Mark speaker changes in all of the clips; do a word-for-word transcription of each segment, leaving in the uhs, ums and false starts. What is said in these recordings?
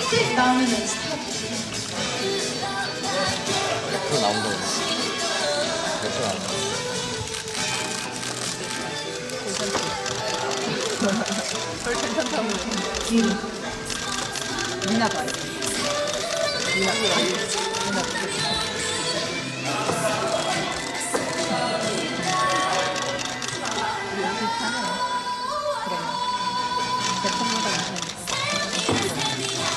Speaker 1: 스틱 나오면은 스탑.
Speaker 2: 옆으로 나온다. 옆으로 나온다.
Speaker 1: 뒤로. 미나 봐요. 미나 봐요. 미나 봐요. 여기 있잖아요. 그러면 대통령보다 괜찮으니까.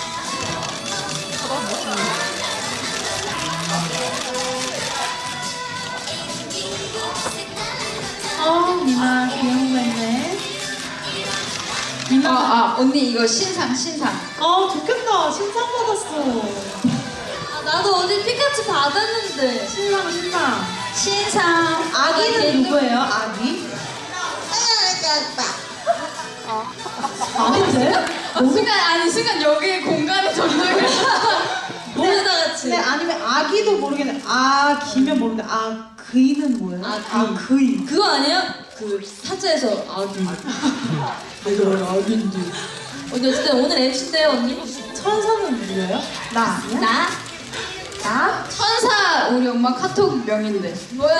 Speaker 1: 어, 미나 귀여운 거 했네. 미나.
Speaker 3: 아, 아 언니 이거 신상 신상.
Speaker 1: 아, 좋겠다. 신상 받았어.
Speaker 3: 아, 나도 어제 피카츄 받았는데.
Speaker 1: 신상, 신상.
Speaker 3: 신상.
Speaker 1: 아기는 누구예요? 아기? 아닌데?
Speaker 3: 아, 순간 아니 순간 여기 공간에 전도를 모르다 같이.
Speaker 1: 근데 아니면 아기도 모르겠네. 아기면 모르는데 아 그이는 뭐예요?
Speaker 3: 아,
Speaker 1: 아 그이.
Speaker 3: 그거 아니야? 그 타짜에서 아기. 내가 아기인데. 언니 어쨌든 오늘 엠씨인데요 언니.
Speaker 1: 천사는 누구예요? 나 아니야?
Speaker 3: 나? 나? 천사 우리 엄마 카톡 명인데. 뭐야?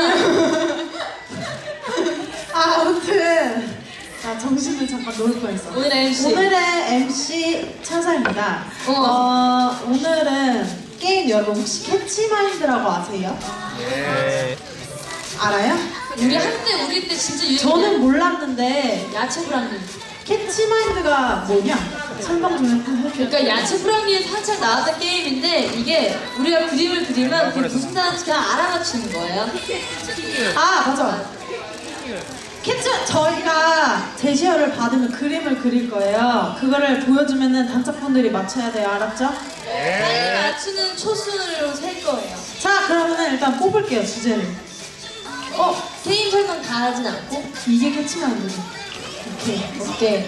Speaker 1: 아 아무튼 자 정신을 잠깐 놓을 뻔했어.
Speaker 3: 오늘 엠씨.
Speaker 1: 오늘의 엠씨 천사입니다.
Speaker 3: 어.
Speaker 1: 어 오늘은 게임 여러분 혹시 캐치마인드라고 아세요?
Speaker 2: 예.
Speaker 1: 알아요?
Speaker 3: 우리 한때 우리 때 진짜 유행.
Speaker 1: 저는 몰랐는데
Speaker 3: 야채 브라운니.
Speaker 1: 캐치마인드가 뭐냐? 설명 좀 해주세요.
Speaker 3: 그러니까 야채 브라운니에 살짝 나왔던 게임인데 이게 우리가 그림을 그리면 그게 무슨 단어인지 그냥 알아맞히는 거예요.
Speaker 1: 아 맞아. 캐치 저희가 제시어를 받으면 그림을 그릴 거예요. 그거를 보여주면은 단짝분들이 맞춰야 돼요. 알았죠?
Speaker 3: 빨리 맞추는 초순으로 셀 거예요.
Speaker 1: 자 그러면은 일단 뽑을게요 주제를.
Speaker 3: 어? 게임 설명 다 하진 않고?
Speaker 1: 이게 캐치마인드죠. 오케이.
Speaker 3: 오케이.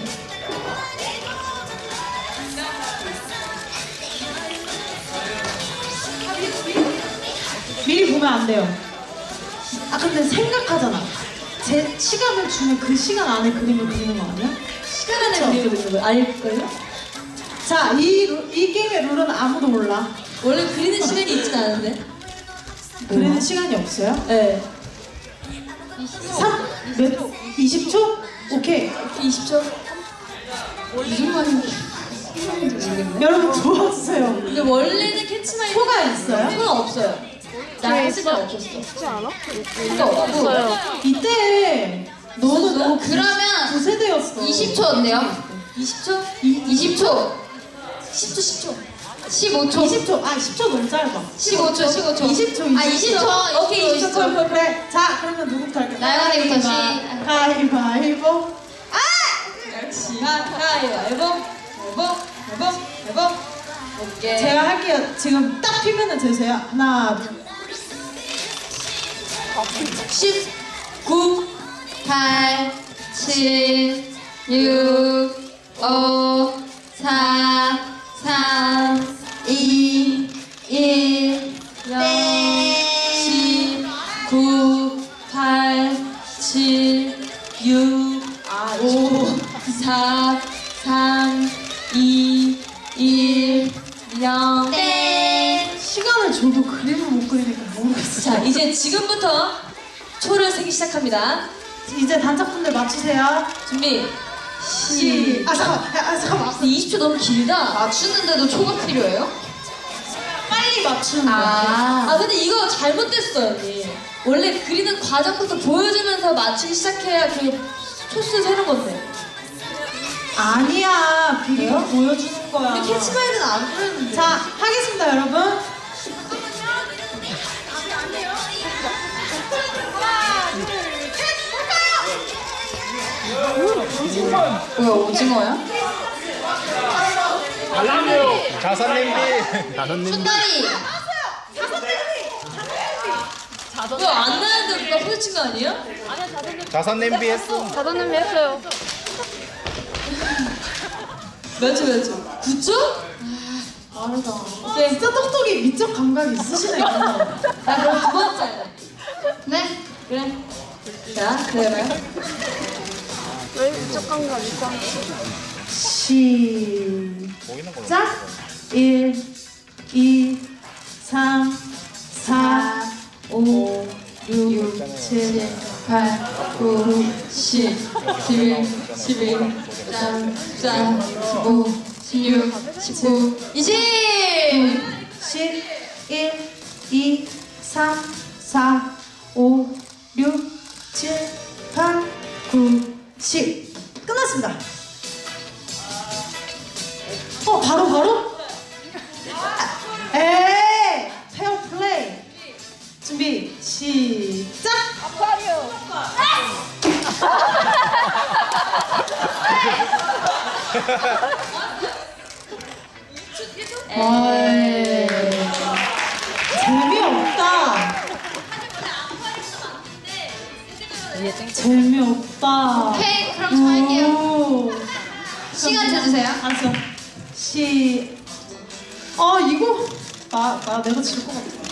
Speaker 1: 미리 보면 안 돼요. 아 근데 생각하잖아. 제 시간을 주면 그 시간 안에 그림을 그리는 거 아니야?
Speaker 3: 시간 안에
Speaker 1: 그쵸?
Speaker 3: 그리고 있는 거 알걸요?
Speaker 1: 자, 이, 루- 이 게임의 룰은 아무도 몰라.
Speaker 3: 원래 그리는 시간이 있진 않은데.
Speaker 1: 그리는 시간이 없어요?
Speaker 3: 네.
Speaker 1: 삼, 몇, 이십 초? 오케이.
Speaker 3: 이십 초? 무슨 말인지 모르겠네.
Speaker 1: 여러분 도와주세요.
Speaker 3: 근데 원래는 캐치마이
Speaker 1: 초가 있어요?
Speaker 3: 초가 없어요. 나 했을 때 없었어.
Speaker 4: 있지 않아?
Speaker 3: 초가 없고.
Speaker 1: 이때 너는 너무 구-
Speaker 3: 그러면
Speaker 1: 구세대였어.
Speaker 3: 이십 초 어때요? 이십 초? 이십 초. 십 초, 십 초. 십오 초.
Speaker 1: 이십 초. 아, 십 초 너무 짧아.
Speaker 3: 십오 초, 십오 초.
Speaker 1: 이십 초,
Speaker 3: 아, 이십 초. 오케이, 이십 초.
Speaker 1: 그래. 자, 그러면 누구부터 할까요?
Speaker 3: 나연이부터 시-
Speaker 1: 가위바위보.
Speaker 3: 역시. 가위바위보. 앨범, 앨범, 앨범. 오케이.
Speaker 1: 제가 할게요. 지금 딱 피면은 재세요. 하나, 둘.
Speaker 3: 십, 구, 팔, 칠, 육, 오, 사, 삼, 이, 일, 영, 십, 구, 팔, 칠, 육, 오, 사, 삼, 이, 일, 영. 땡.
Speaker 1: 시간을 줘도 그림을 못 그리니까 모르겠어.
Speaker 3: 자, 이제 지금부터 초를 세기 시작합니다.
Speaker 1: 이제 단짝분들 맞추세요.
Speaker 3: 준비.
Speaker 1: 시.
Speaker 3: 시.
Speaker 1: 아 잠깐. 아 잠깐만.
Speaker 3: 근데 이십 초 너무 길다. 맞추는데도 초가 필요해요?
Speaker 1: 빨리 맞추는 거야.
Speaker 3: 아, 아 근데 이거 잘못됐어요, 언니. 원래 그리는 과정부터 보여주면서 맞추기 시작해야 그 초수 세는 건데.
Speaker 1: 아니야. 비리가
Speaker 3: 왜요?
Speaker 1: 보여주는 거야.
Speaker 3: 우리 캐치마이는 안 그랬는데.
Speaker 1: 자 하겠습니다, 여러분.
Speaker 3: 뭐야, 오징어야?
Speaker 2: 다섯 냄비. 다섯 냄비.
Speaker 3: 순다리! 왜안 나는데 누가 소리친 거 아니에요?
Speaker 2: 다섯 냄비 했어.
Speaker 4: 다섯 냄비 했어요.
Speaker 3: 몇 초, 몇 초? 구 초? 아, 빠르다. 오케이.
Speaker 1: 진짜 똑똑이 미적 감각이 있으시네.
Speaker 3: 나 그럼 두 번째. 네? 그래. 자, 그래봐요.
Speaker 4: 왜 미적 감각 있어?
Speaker 1: 시작.
Speaker 2: 보이는 거.
Speaker 1: 일, 이, 삼, 사, 오, 육, 칠,
Speaker 3: 팔, 구, 십, 십일, 십이, 십삼, 십사, 십오, 십육, 십구, 이십!
Speaker 1: 십, 일, 이, 삼, 사, 오, 육, 칠, 팔, 구, 십. 끝났습니다. 어, 바로, 바로? 에이! 페어 플레이. 준비, 시작! 어이, 재미없다. 재미없다.
Speaker 3: 오케이, 그럼 저 할게요.
Speaker 1: 오.
Speaker 3: 시간 재주세요.
Speaker 1: 알았어. 시. 아 이거 나, 나 내가 질 것 같아.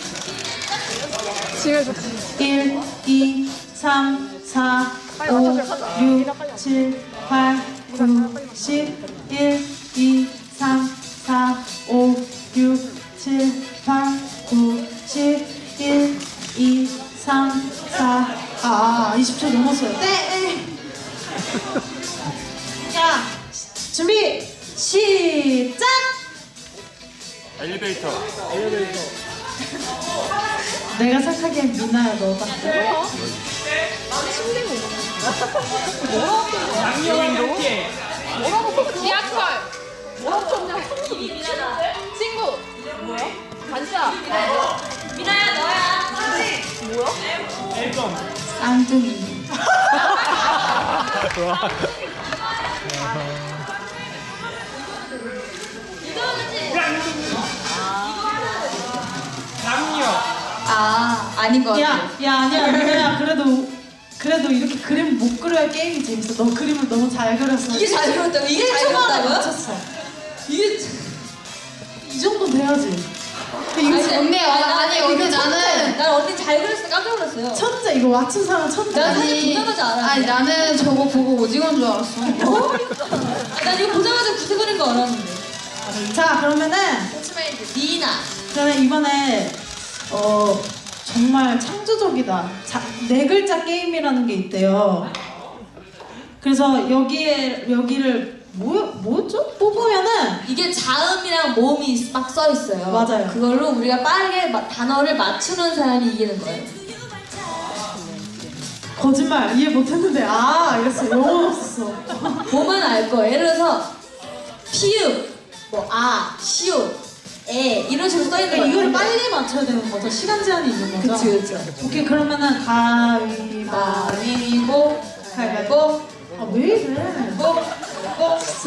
Speaker 1: 일, 이, 삼, 사, 오, 육, 칠, 팔, 구, 십, 일, 이, 삼, 사, 오, 육, 칠, 팔, 구, 십, 일, 이, 삼, 사, 아, 이십 초 넘었어요. 네. 자, 준비, 시작!
Speaker 2: 엘리베이터.
Speaker 1: 내가 생각하기엔 미나야, 너가.
Speaker 4: 지하철. 친구. 뭐야? 반지야.
Speaker 3: 미나야, 너야.
Speaker 1: 쌍둥이.
Speaker 3: 아, 아닌 것 같아.
Speaker 1: 야, 야, 아니야, 미나야. 그래도, 그래도 이렇게 그림 못 그려야 게임이 재밌어. 너 그림을 너무 잘 그렸어.
Speaker 3: 이게 잘 그렸다고? 이게 잘
Speaker 1: 일 초 만에
Speaker 3: 그렸다고요?
Speaker 1: 맞췄어.
Speaker 3: 이게
Speaker 1: 이 정도 돼야지. 근데 이거
Speaker 3: 아니,
Speaker 4: 언니,
Speaker 3: 아니,
Speaker 4: 아니,
Speaker 3: 이거
Speaker 4: 언니,
Speaker 3: 천재.
Speaker 4: 나는-
Speaker 3: 난 언니 잘 그렸어 깜짝 놀랐어요.
Speaker 1: 천재, 이거 맞춘 사람 천재.
Speaker 3: 나 사실 보자마자 알았는데.
Speaker 4: 아니 나는 저거 보고 오징어인 줄 알았어.
Speaker 3: 어? 아, 난 이거 보자마자 구세 그린 거 알았는데.
Speaker 1: 자, 그러면은,
Speaker 3: 니나.
Speaker 1: 저는 이번에, 어, 정말 창조적이다. 자, 네 글자 게임이라는 게 있대요. 그래서 여기에, 여기를, 뭐, 뭐죠? 뽑으면은,
Speaker 3: 이게 자음이랑 모음이 막 써 있어요.
Speaker 1: 맞아요.
Speaker 3: 그걸로 우리가 빠르게 마- 단어를 맞추는 사람이 이기는 거예요.
Speaker 1: 거짓말 이해 못했는데, 아, 이랬어. 영혼 없었어.
Speaker 3: 보면 알 거예요. 예를 들어서 피읍, 뭐 아, 시옷, 에 이런 식으로 써 있는
Speaker 1: 그러니까
Speaker 3: 거예요.
Speaker 1: 이거를 빨리 맞춰야 되는 거죠? 시간 제한이 있는 거죠?
Speaker 3: 그치 그치.
Speaker 1: 오케이, 그러면은 가위바위보.
Speaker 3: 가위바위보.
Speaker 1: 아, 왜 이래?
Speaker 3: 보. 보.
Speaker 1: 진짜.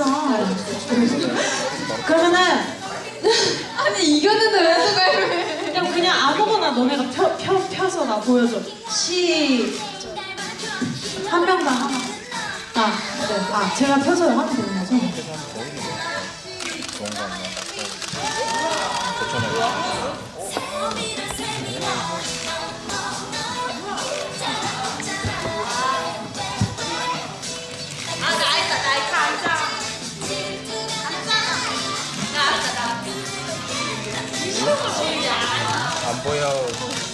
Speaker 1: 그러면은
Speaker 3: 아니 이겼는데 왜 누가
Speaker 1: 그냥 그냥 아무거나 너네가 펴, 펴, 펴서 나 보여줘. 시. 한 명당 하나. 아, 네. 아, 제가 펴서 하면 되는 거죠?
Speaker 2: 좋은 거 같네. 고쳐내.
Speaker 3: 아, 나 알다, 나 알다, 알다.
Speaker 2: 안 보여.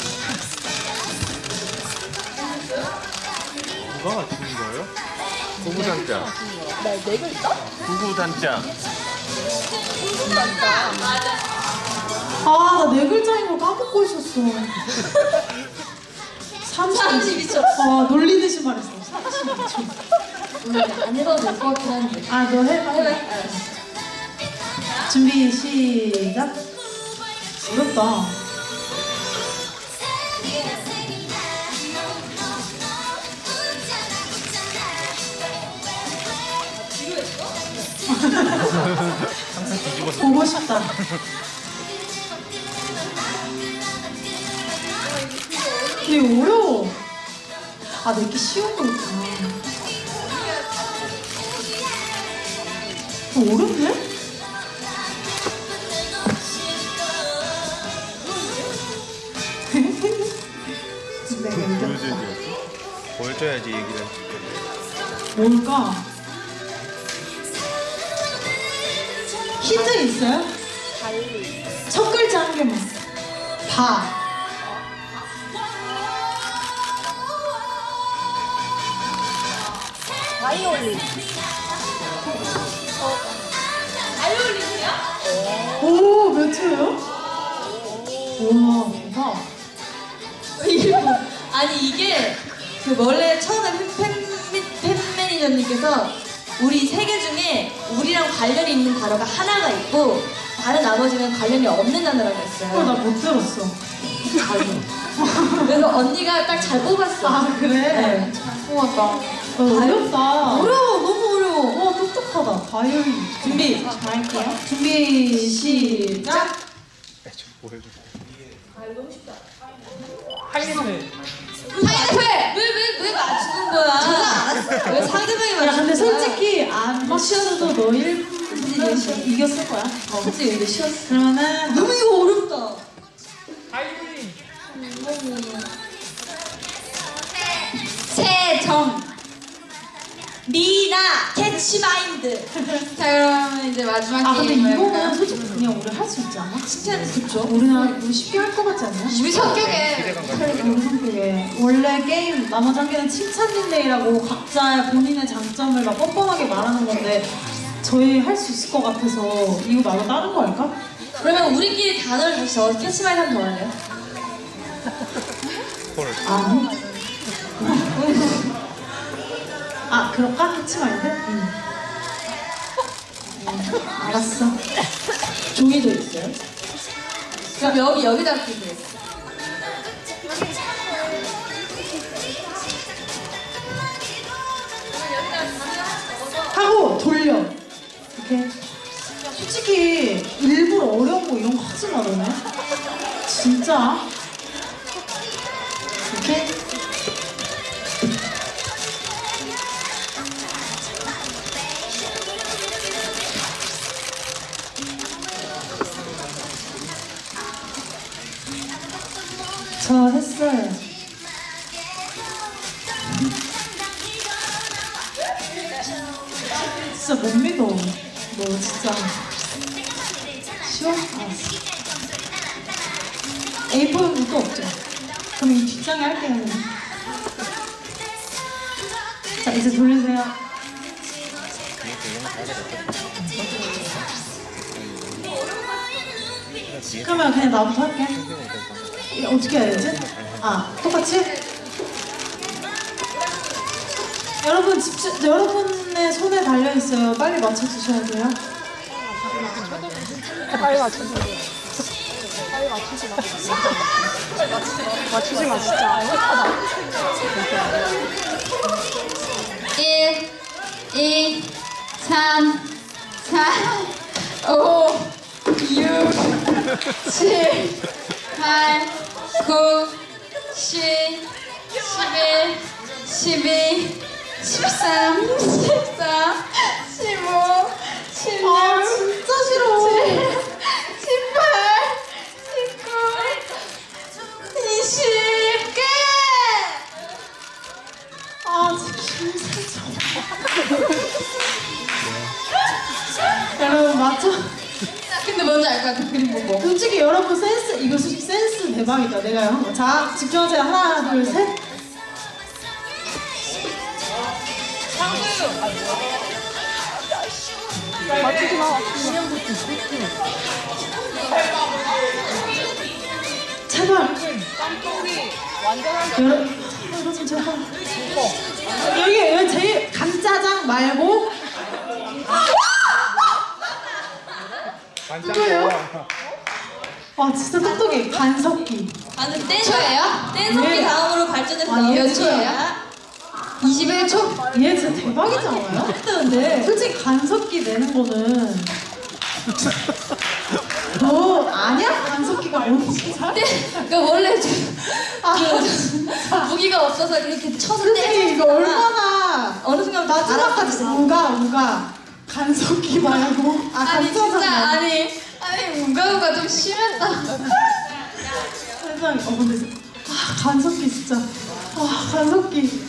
Speaker 5: 누가 맞추는 거예요? 구구단자. 네 글자? 구구단자.
Speaker 1: 아, 나 네 글자인 걸 까먹고 있었어.
Speaker 3: 삼십이 초.
Speaker 1: 아, 놀리듯이 말했어. 삼십이 초.
Speaker 3: 음, 안 해봐도 될 것 같긴 한데.
Speaker 1: 아, 너 해봐.
Speaker 3: 해봐. 알았어.
Speaker 1: 준비, 시작. 어렵다.
Speaker 2: 항상 뒤집어서.
Speaker 1: 보고 싶다. 근데 이거 어려워. 아, 내게 쉬운 거 있구나. 어, 어렵네? 내가 이겼다.
Speaker 5: 보여줘야지.
Speaker 2: 보여줘야지 얘기를.
Speaker 1: 뭘까? 힌트 있어요? 첫 글자 한 개만. 바.
Speaker 4: 바이올린.
Speaker 1: 오, 몇 초예요? 우와, 대박.
Speaker 3: 아니 이게 그 원래 처음에 팬, 팬, 팬 매니저님께서 우리 세 개 중에 우리랑 관련이 있는 단어가 하나가 있고 다른 나머지는 관련이 없는 단어라고
Speaker 1: 어,
Speaker 3: 했어요.
Speaker 1: 나 못 들었어.
Speaker 3: 그래서 언니가 딱 잘 뽑았어.
Speaker 1: 아, 그래?
Speaker 3: 네.
Speaker 1: 고맙다. 어, 어렵다.
Speaker 3: 어려워, 너무 어려워.
Speaker 1: 와, 똑똑하다. 바이올린. 준비. 잘할게요. 준비, 시작.
Speaker 2: 좀 보여줘.
Speaker 3: 파인애플! 왜, 왜, 왜 맞추는 거야? 왜 상대방이 맞추는 거야?
Speaker 1: 야, 근데 솔직히 안 맞추어도 너 일 분 이겼을 거야.
Speaker 3: 어, 그치, 이게 쉬웠어.
Speaker 1: 그러면은
Speaker 3: 너무 이거 어렵다. 세정 미나 캐치마인드.
Speaker 4: 자 그러면 이제 마지막
Speaker 1: 아, 근데
Speaker 4: 게임
Speaker 1: 이거는
Speaker 4: 해볼까요?
Speaker 1: 솔직히 그냥 우리 할 수 있지 않아?
Speaker 3: 진짜는 그쵸?
Speaker 1: 우리나 우리 쉽게 할 것 같지 않냐?
Speaker 4: 우리 성격에
Speaker 1: 우리 성격에 원래 게임 나머지 한 개는 칭찬 릴레이라고 각자의 본인의 장점을 막 뻔뻔하게 말하는 건데 저희 할 수 있을 것 같아서 이거 말고 다른 거 할까?
Speaker 3: 그러면 우리끼리 단어를 다시 적어서 캐치마인드 한 번 더 할래요?
Speaker 2: 헐.
Speaker 1: 아니. 아, 그럴까? 캐치마인드? 응. 음, 알았어.
Speaker 3: 종이도 있어요? 그럼 여기 여기다 끼세요.
Speaker 1: 하고 돌려. 이렇게. 솔직히 일부러 어려운 거 이런 거 하지 마 너네. 진짜. 이렇게. 저 했어요. 진짜 못 믿어. 너 진짜. 쉬워? 알았어. 에이포는 또 없죠? 그럼 이 뒷장에 할게요. 자, 이제 돌리세요. 그러면 그냥 나부터 할게. 이거 어떻게 해야 되지? 아, 똑같이? 여러분 집중, 여러분의 손에 달려 있어요. 빨리 맞춰 주셔야 돼요.
Speaker 6: 빨리 맞춰주세요. 빨리 맞추지 마. 맞추지 마, 진짜. 어색하다.
Speaker 4: 일, 이, 삼, 사, 오, 육, 칠, 팔, 구, 십, 십일, 십이, 십삼, 십사, 십오, 십육,
Speaker 1: 아, 진짜 싫어.
Speaker 4: 십팔, 십구, 이십, 끝!
Speaker 1: 아, 진짜 김세정. 여러분 맞춰.
Speaker 4: 근데 뭔지 알 것 같아, 그림 보고.
Speaker 1: 솔직히 여러분 센스 이거 솔직히 센스 대박이다. 내가 한 거. 자, 집중하세요. 하나, 둘, 셋.
Speaker 6: 맞추지 마.
Speaker 1: 제발.
Speaker 6: 깜짝이 완전한
Speaker 1: 여러분, 여러분 제발. 여기 여기 제일 간짜장 말고. 이거예요? 와 진짜 똑똑해. 간석기.
Speaker 3: 방금 댄
Speaker 4: 초예요?
Speaker 3: 댄석기
Speaker 1: 네.
Speaker 3: 다음으로 발전해서
Speaker 1: 아,
Speaker 3: 나온
Speaker 1: 몇
Speaker 4: 초예요? 이십일 초?
Speaker 1: 얘 진짜 대박이지 않아요?
Speaker 3: 했는데
Speaker 1: 솔직히 간석기 내는 거는 너 아니야? 간석기가 뭔지 잘?
Speaker 3: 그러니까 원래 좀
Speaker 1: 아,
Speaker 3: 그 무기가 없어서 이렇게 쳐서
Speaker 1: 솔직히
Speaker 3: 때리는
Speaker 1: 이거 얼마나
Speaker 3: 어느 순간
Speaker 1: 마지막까지 우가 우가 간석기 말고 아
Speaker 4: 아니
Speaker 1: 간짜장
Speaker 4: 진짜
Speaker 1: 말고.
Speaker 4: 아니 아니 우가우가 좀 심했다.
Speaker 1: 세상에 어 근데 아 간석기 진짜 아 간석기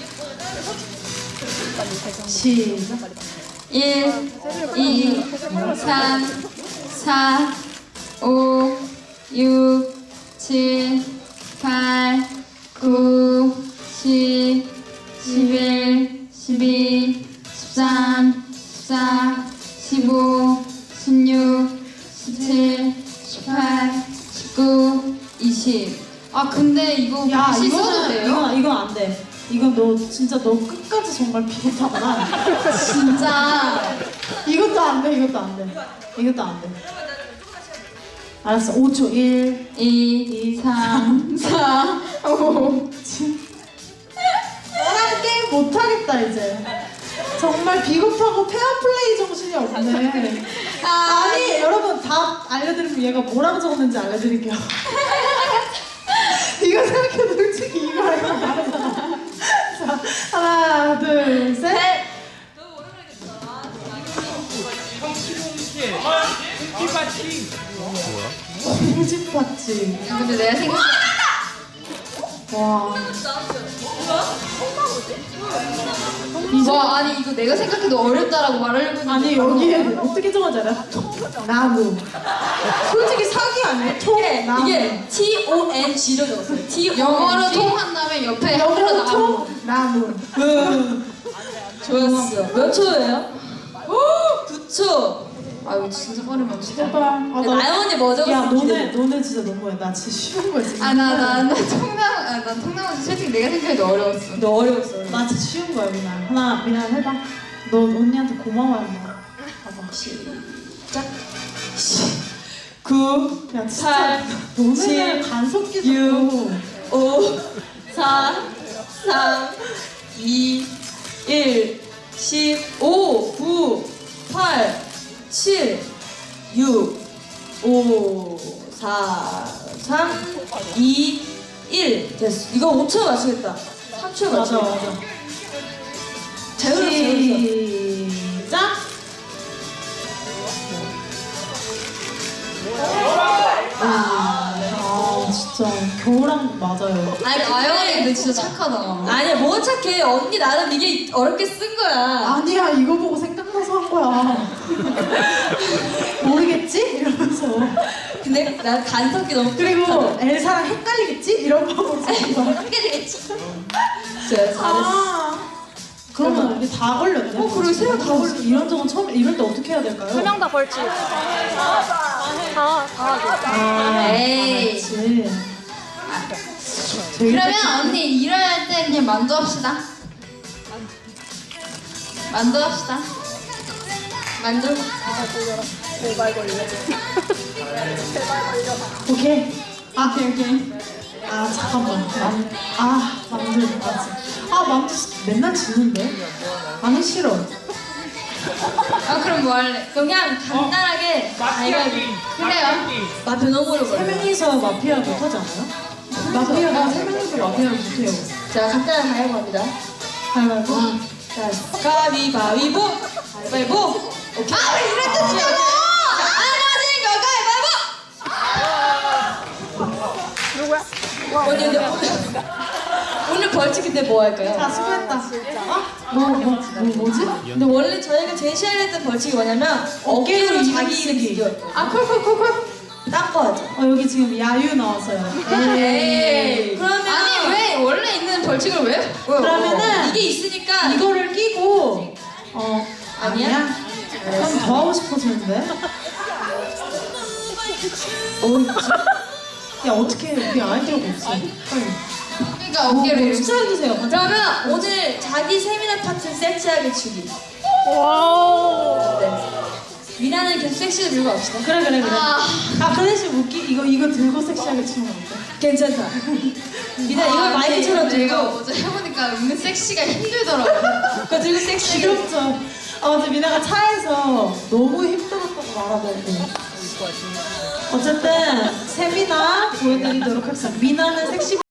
Speaker 1: 시작
Speaker 4: 일, 이, 삼, 사, 오, 육, 칠, 팔, 구, 십, 십일, 십이, 십삼, 십사, 십오, 십육, 십칠, 십팔, 십구, 이십. 아 근데 이거
Speaker 1: 야
Speaker 4: 다시 써도
Speaker 1: 이거는
Speaker 4: 돼요?
Speaker 1: 이건 이건 안 돼. 이건 너 진짜 너 끝까지 정말 비겁하구나.
Speaker 4: 진짜.
Speaker 1: 이것도 안 돼. 이것도 안 돼. 이것도 안 돼. 알았어. 오 초. 일.
Speaker 4: 이, 삼, 사, 오.
Speaker 1: 너랑 게임 못 하겠다 이제. 정말 비겁하고 페어플레이 정신이 없네.
Speaker 4: 아,
Speaker 1: 아니 여러분 답 알려드리면 얘가 뭐라고 적었는지 알려드릴게요. 이거 생각해도 솔직히 이거 알고 다르잖아. 자 하나 둘 셋. 홍집받지.
Speaker 4: 근데 내가 생각.
Speaker 1: 와.
Speaker 4: 와 아니 이거 내가 생각해도 어렵다라고 말하려고 했는데
Speaker 1: 아니 여기에 어떻게 적어지 알아? 나무. 솔직히 사기 아니야? 통
Speaker 3: 이게,
Speaker 1: 나무.
Speaker 3: 이게 T O N G로 적었어요. T O N G.
Speaker 4: 영어로 통한 다음에 옆에 하나
Speaker 1: 영어로
Speaker 4: 나오고.
Speaker 1: 통 나무.
Speaker 3: 좋았어. 몇 초예요? 구 초.
Speaker 4: 아 이거 진짜 빠르면 진짜.
Speaker 1: 제발. 아, 나-
Speaker 3: 나연 언니 뭐 적었어?
Speaker 1: 야 너네 너네 진짜 너무해. 나 진짜 쉬운 거야 지금.
Speaker 4: 아나나나 통남 아나 통남은 솔직히 내가 생각해도 어려웠어.
Speaker 3: 너 어려웠어.
Speaker 1: 나 진짜 쉬운 거야 미나. 하나 미나 해봐. 너 언니한테 고마워요 마. 봐봐.
Speaker 3: 시작.
Speaker 1: 구. 야 진짜.
Speaker 3: 팔,
Speaker 1: 너네는
Speaker 3: 칠,
Speaker 1: 간섭기
Speaker 3: 육,
Speaker 1: 좀.
Speaker 3: 오, 사, 삼, 이, 일, 십오, 구, 팔, 칠, 육, 오, 사, 삼, 이, 일. 됐어. 이거 오 초 맞추겠다. 삼 초
Speaker 1: 맞아
Speaker 3: 맞추겠다.
Speaker 1: 맞아.
Speaker 3: 잘 그렸어, 잘 그렸어.
Speaker 1: 시작. 아 진짜 겨울왕국 맞아요.
Speaker 3: 아니,
Speaker 4: 아영이 근데
Speaker 3: 근데
Speaker 4: 진짜 착하다.
Speaker 3: 아니야, 뭐 착해. 언니 나름 이게 어렵게 쓴 거야.
Speaker 1: 아니야 이거 보고 생각나서 한 거야. 모르겠지? 이러면서.
Speaker 3: 근데 난 간섭기 너무
Speaker 1: 그리고 엘사랑 헷갈리겠지? 이런 마음으로 쓴 거야.
Speaker 3: 헷갈리겠지? 제가 잘했어.
Speaker 1: 아 그러면 우리 다 걸렸네.
Speaker 3: 어, 그리고 세명 다 걸렸어.
Speaker 1: 이런 적은 처음 이럴 때 어떻게 해야 될까요?
Speaker 6: 세 명 다 벌칙. 다, 다 하기.
Speaker 1: 아,
Speaker 4: 에이.
Speaker 1: 그렇지. 저희
Speaker 4: 그러면 언니 일어날 때 그냥 만두합시다. 만두합시다. 만두.
Speaker 6: 제발 걸려. 제발 걸려.
Speaker 1: 오케이. 아, 오케이, 오케이. 아, 잠깐만. 만, 아, 만두. 맞지. 아, 만두 맨날 지는데? 아니, 싫어.
Speaker 4: 아 그럼 뭐 할래?
Speaker 3: 그냥 간단하게 가위바위보.
Speaker 4: 그래요.
Speaker 3: 마표 너무 어려워.
Speaker 1: 세 명이서 마피아 못하지 않아요? 마피아가 세 명이서 마피아를 못해요.
Speaker 3: 자, 간단한 가위바위보 합니다.
Speaker 1: 가위바위보.
Speaker 3: 자, 가위바위보. 가위바위보. 오케이. 아, 왜 이럴 때 치냐고!
Speaker 6: 누구야?
Speaker 3: 언니, 근데 오늘 벌칙 근데 뭐 할까요?
Speaker 1: 자, 수고했다. 어? 뭐, 뭐, 뭐, 뭐지?
Speaker 3: 근데 원래 저희가 제시하려 했던 벌칙이 뭐냐면 어깨로
Speaker 1: 어깨로
Speaker 3: 자기
Speaker 1: 이름
Speaker 3: 이름
Speaker 1: 쓰기.
Speaker 3: 비교했거든요.
Speaker 1: 아, 콜콜콜콜.
Speaker 3: 딴거 하죠.
Speaker 1: 어, 여기 지금 야유 나왔어요.
Speaker 3: 에이. 그러면
Speaker 4: 아니 왜 원래 있는 벌칙을 왜?
Speaker 1: 그러면은
Speaker 3: 이게 있으니까
Speaker 1: 이거를 끼고, 어,
Speaker 3: 아니야?
Speaker 1: 아니야? 그럼 더 하고 싶어지는데? 야, 어떻게 우리 아이디어가 없어. 빨리.
Speaker 4: 그러니까 어깨를
Speaker 1: 뭐
Speaker 4: 이렇게.
Speaker 1: 추천해주세요.
Speaker 3: 그러면 오늘 자기 세미나 파트 섹시하게 추기.
Speaker 6: 와우.
Speaker 3: 네. 미나는 계속 섹시를 들고 갑시다.
Speaker 1: 그래, 그래, 그래.
Speaker 4: 아.
Speaker 1: 아, 그 대신 웃기, 이거, 이거 들고 섹시하게 추는 거 어때?
Speaker 3: 괜찮다. 미나 이걸
Speaker 4: 아,
Speaker 3: 마이크처럼
Speaker 4: 근데 내가
Speaker 3: 들고
Speaker 4: 어제 해보니까 은근 섹시가 힘들더라고.
Speaker 3: 그거 들고 섹시하게.
Speaker 1: 귀엽죠? 아, 어제 미나가 차에서 너무 힘들었다고 말하더라고. 어쨌든 세미나 보여드리도록 하겠습니다. 미나는 섹시